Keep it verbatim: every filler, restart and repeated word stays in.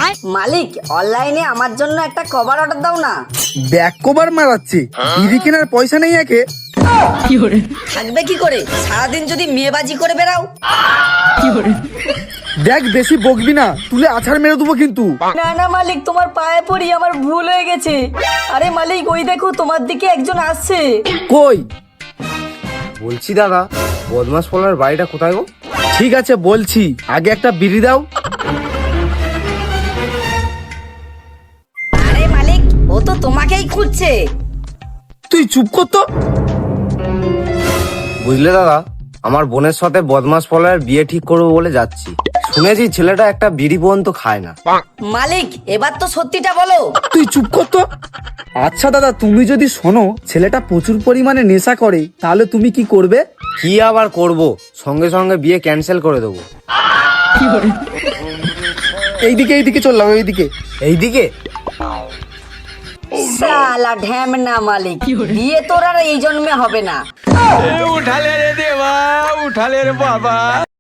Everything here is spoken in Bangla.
মালিক, অনলাইনে আমার জন্য একটা কভার অর্ডার দাও না। ব্যাক কভার মারাচ্ছে, বিড়ি কেনার পয়সা নেই একে। থাকবে কি করে, সারাদিন যদি মেয়েবাজি করে বেড়াও। দেখ বেশি বকবি না, তুলে আছাড় মেরে দেবো কিন্তু। না না মালিক, তোমার পায়ে পড়ি, আমার ভুল হয়ে গেছে। আরে মালিক, ওই দেখো তোমার দিকে একজন আসছে। কই? বলছি দাদা, বদমাস পলার বাড়িটা কোথায় গো? ঠিক আছে বলছি, আগে একটা বিড়ি দাও। আরে মালিক, ও তো তোমাকেই খুঁজছে। তুই চুপ কর তো। বুঝলে দাদা, আমার বোনের সাথে বদমাস পলার বিয়ে ঠিক করবো বলে যাচ্ছি। শুনেছি ছেলেটা একটা বিড়ি পর্যন্ত খায় না। মালিক, এবার তো সত্যিটা বলো। তুই চুপ কর তো। আচ্ছা দাদা, তুমি যদি শোনো ছেলেটা প্রচুর পরিমাণে নেশা করে, তাহলে তুমি কি করবে? কি আবার করব, সঙ্গে সঙ্গে বিয়ে ক্যান্সেল করে দেবো। এইদিকে এইদিকে চললাম, এইদিকে। এইদিকে শালা ঢ্যামনা মালিক, বিয়ে তোর আর এই জন্মে হবে না। उठा ले रे देवा, उठा ले रे बाबा।